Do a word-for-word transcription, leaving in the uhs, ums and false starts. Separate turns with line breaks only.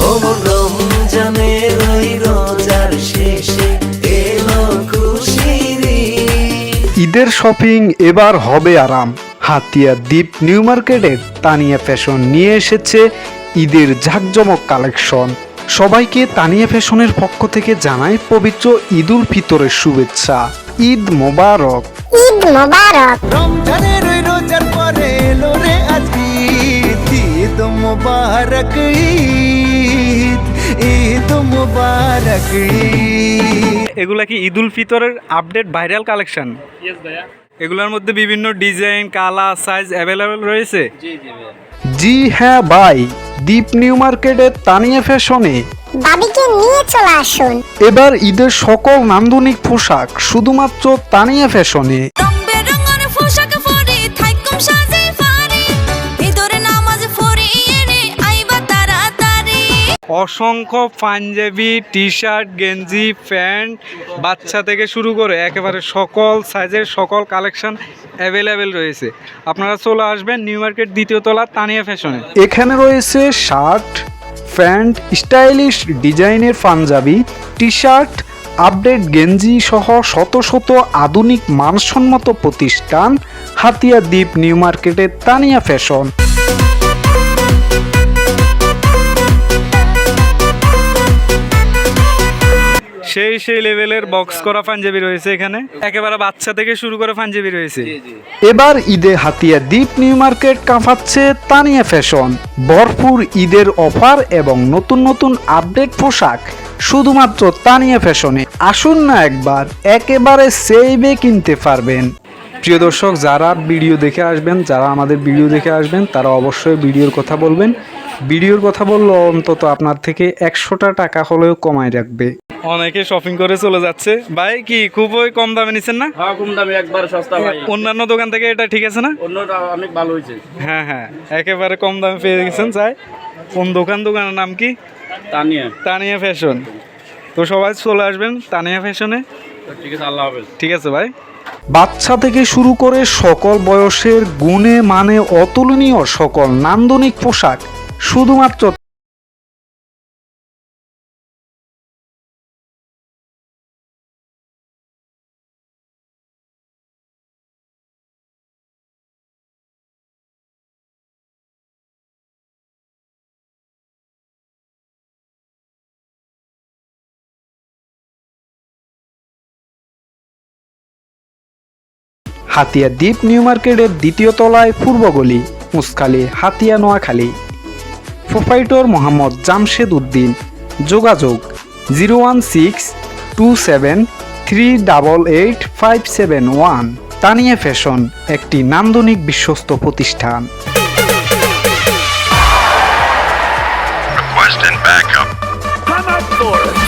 রমজানের ওই রোজার শেষে এলো খুশির ঈদ।
ঈদের শপিং এবার হবে আরাম। হাতিয়া দ্বীপ নিউ মার্কেটের তানিয়া ফ্যাশন নিয়ে এসেছে ঈদের ঝাঁকজমক কালেকশন। সবাইকে তানিয়া ফ্যাশনের পক্ষ থেকে জানায় পবিত্র ঈদ উল ফিতরের শুভেচ্ছা। ঈদ মোবারক।
ঈদ মোবারক।
রমজানের ওই রোজার পরে এলো রে আজ ঈদ। ঈদ মোবারক ঈদ, ঈদ মোবারক ঈদ।
এগুলা কি ঈদ উল ফিতরের আপডেট ভাইরাল কালেকশন?
ইয়েস ভাইয়া।
এগুলোর মধ্যে বিভিন্ন ডিজাইন, কালার, সাইজ অ্যাভেলেবেল রয়েছে।
জি জি ভাইয়া।
জি হ্যাঁ ভাই, দ্বীপ নিউ মার্কেটের তানিয়া ফ্যাশনে
দাদিকে নিয়ে চলে আসুন।
এবার ঈদের সকল নান্দনিক পোশাক শুধুমাত্র তানিয়া ফ্যাশনে।
অসংখ্য পাঞ্জাবি, টি শার্ট, গেঞ্জি, প্যান্ট, বাচ্চা থেকে শুরু করে একেবারে সকল সাইজের সকল কালেকশন অ্যাভেলেবেল রয়েছে। আপনারা চলে আসবেন নিউ মার্কেট দ্বিতীয় তলা তানিয়া ফ্যাশনে।
এখানে রয়েছে শার্ট, প্যান্ট, স্টাইলিশ ডিজাইনের পাঞ্জাবি, টি শার্ট, আপডেট গেঞ্জি সহ শত শত আধুনিক মানসম্মত প্রতিষ্ঠান হাতিয়া দ্বীপ নিউ মার্কেটের তানিয়া ফ্যাশন।
সেই সেই লেভেলের বক্স করা পাঞ্জাবি রয়েছে এখানে, একেবারে বাচ্চা থেকে শুরু করে পাঞ্জাবি রয়েছে।
এবার ঈদে হাতিয়া দ্বীপ নিউ মার্কেট কাঁপাচ্ছে তানিয়া ফ্যাশন। ভরপুর ঈদের অফার এবং নতুন নতুন আপডেট পোশাক শুধুমাত্র তানিয়া ফ্যাশনে। আসুন না একবার, একেবারে সেভে কিনতে পারবেন। প্রিয় দর্শক, যারা ভিডিও দেখে আসবেন, যারা আমাদের ভিডিও দেখে আসবেন তারা অবশ্যই ভিডিওর কথা বলবেন। ভিডিওর কথা বললে অন্তত আপনার থেকে একশোটা টাকা হলেও কমায় রাখবে।
অনেকে শপিং করে চলে যাচ্ছে। ভাই কি খুবই কম দামে নিচ্ছেন না?
হ্যাঁ, কম দামে একবার সস্তা ভাই।
অন্যান্য দোকান থেকে এটা ঠিক আছে না?
অন্যটা অনেক ভালো হয়েছে।
হ্যাঁ হ্যাঁ, একেবারে কম দামে পেয়ে গেছেন। চাই কোন দোকান? দোকানের নাম কি?
তানিয়া
তানিয়া ফ্যাশন। তো সবাই চলে আসবেন তানিয়া ফ্যাশনে।
ঠিক আছে, আল্লাহ হাফেজ।
ঠিক আছে ভাই।
বাচ্চা থেকে শুরু করে সকল বয়সের গুণে মানে অতুলনীয় সকল নান্দনিক পোশাক শুধুমাত্র হাতিয়া দ্বীপ নিউ মার্কেটের দ্বিতীয় তলায় পূর্বগলি, মুসখালী, হাতিয়া, নোয়াখালী। প্রোপাইটর মোহাম্মদ জামশেদ উদ্দিন। যোগাযোগ zero one six two seven three double eight five seven one. Tania fashion একটি নান্দনিক বিশ্বস্ত প্রতিষ্ঠান।
Request and backup.
Come up for it.